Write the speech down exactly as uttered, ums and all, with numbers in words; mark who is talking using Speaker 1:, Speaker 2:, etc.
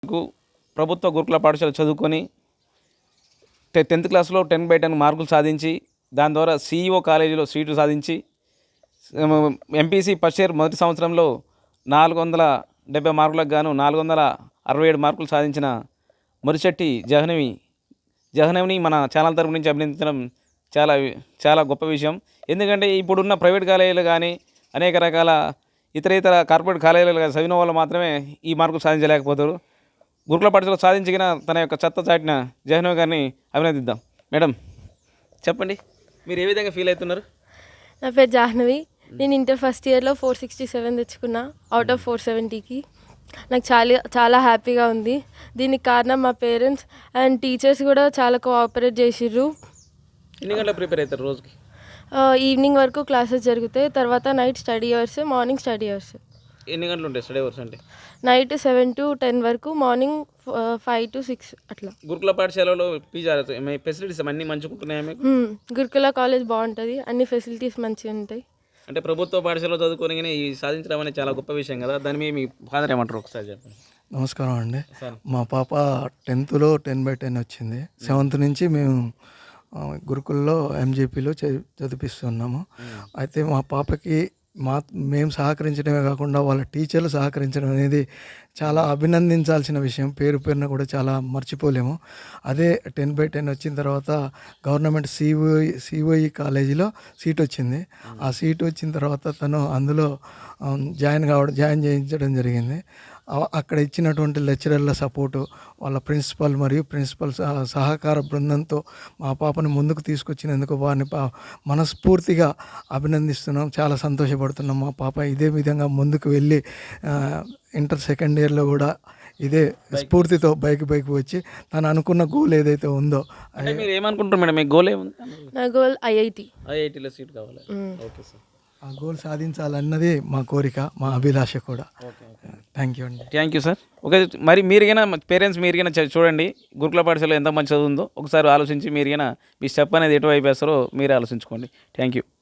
Speaker 1: కు ప్రభుత్వ గురుకుల పాఠశాల చదువుకొని టె టెన్త్ క్లాస్లో టెన్ బై టెన్ మార్కులు సాధించి దాని ద్వారా సిఈఓ కాలేజీలో సీటు సాధించి ఎంపీసీ ఫస్ట్ ఇయర్ మొదటి సంవత్సరంలో నాలుగు వందల డెబ్బై మార్కులకు గాను నాలుగు వందల అరవై ఏడు మార్కులు సాధించిన మురిశెట్టి జహ్నవి జహ్నవిని మన ఛానల్ తరపు నుంచి అభినందించడం చాలా చాలా గొప్ప విషయం. ఎందుకంటే ఇప్పుడున్న ప్రైవేట్ కాలేజీలు కానీ అనేక రకాల ఇతర ఇతర కార్పొరేట్ కాలేజీలు చదివిన వాళ్ళు మాత్రమే ఈ మార్కులు సాధించలేకపోతారు. గురుకుల పాఠశాల సాధించిన తన యొక్క చెత్త చాటిన జహ్నవి గారిని అభినందిద్దాం. మేడం చెప్పండి, మీరు ఏ విధంగా ఫీల్ అవుతున్నారు?
Speaker 2: నా పేరు జాహ్నవి. నేను ఇంటర్ ఫస్ట్ ఇయర్లో ఫోర్ సిక్స్టీ సెవెన్ తెచ్చుకున్నా అవుట్ ఆఫ్ ఫోర్ సెవెంటీకి. నాకు చాలా చాలా హ్యాపీగా ఉంది. దీనికి కారణం మా పేరెంట్స్ అండ్ టీచర్స్ కూడా చాలా కోఆపరేట్ చేసిర్రు.
Speaker 1: ఎన్ని గంటలు ప్రిపేర్ అవుతారు రోజుకి?
Speaker 2: ఈవినింగ్ వరకు క్లాసెస్ జరుగుతాయి, తర్వాత night study hours, morning study hours.
Speaker 1: ఎన్ని గంటలు ఉంటాయి స్టడీ అవర్స్ అంటే?
Speaker 2: నైట్ సెవెన్ టు టెన్ వరకు, మార్నింగ్ ఫైవ్ టు సిక్స్ అట్లా.
Speaker 1: గురుకుల పాఠశాలలో పీజీ ఫెసిలిటీస్ అన్నీ మంచిగా ఉంటున్నాయి మీకు?
Speaker 2: గురుకుల కాలేజ్ బాగుంటుంది, అన్ని ఫెసిలిటీస్ మంచిగా ఉంటాయి.
Speaker 1: అంటే ప్రభుత్వ పాఠశాలలో చదువుకొని ఈ సాధించడం అనేది చాలా గొప్ప విషయం కదా, దాని మీద మీ ఫాదర్ ఏమంటారు ఒకసారి చెప్పండి.
Speaker 3: నమస్కారం అండి. మా పాప టెన్త్లో టెన్ బై టెన్ వచ్చింది. సెవెంత్ నుంచి మేము గురుకుల్లో ఎంజేపీలో చదివిస్తున్నాము. అయితే మా పాపకి మా మేము సహకరించడమే కాకుండా వాళ్ళ టీచర్లు సహకరించడం అనేది చాలా అభినందించాల్సిన విషయం. పేరు పేరున కూడా చాలా మర్చిపోలేము. అదే టెన్ బై టెన్ వచ్చిన తర్వాత గవర్నమెంట్ సిఓఈ సిఓఈ కాలేజీలో సీట్ వచ్చింది. ఆ సీట్ వచ్చిన తర్వాత తను అందులో జాయిన్ కావడం జాయిన్ చేయించడం జరిగింది. అక్కడ ఇచ్చినటువంటి లెక్చరర్ల సపోర్టు, వాళ్ళ ప్రిన్సిపల్ మరియు ప్రిన్సిపల్ సహకార బృందంతో మా పాపను ముందుకు తీసుకొచ్చినందుకు వారిని మనస్ఫూర్తిగా అభినందిస్తున్నాం. చాలా సంతోషపడుతున్నాం. మా పాప ఇదే విధంగా ముందుకు వెళ్ళి ఇంటర్ సెకండ్ ఇయర్లో కూడా ఇదే స్ఫూర్తితో బైక్ బైక్ వచ్చి తను అనుకున్న గోల్ ఏదైతే ఉందో.
Speaker 1: మీరు ఏమనుకుంటారు మేడం, మీ గోల్ ఏముంది?
Speaker 2: నా గోల్ ఐఐటి
Speaker 1: ఐఐటిలో సీట్ కావాలి. ఓకే సార్,
Speaker 3: ఆ గోల్ సాధించాలన్నది మా కోరిక, మా అభిలాష కూడా. థ్యాంక్ యూ అండి.
Speaker 1: Thank you sir. ఓకే, మరి మీరుగైనా పేరెంట్స్ మీరుగైనా చూడండి గురుకుల పాఠశాల ఎంత మంచి చదువుందో ఒకసారి ఆలోచించి మీరుగైనా మీ స్టెప్ అనేది ఎటువైపు వేస్తారో మీరే ఆలోచించుకోండి. Thank you.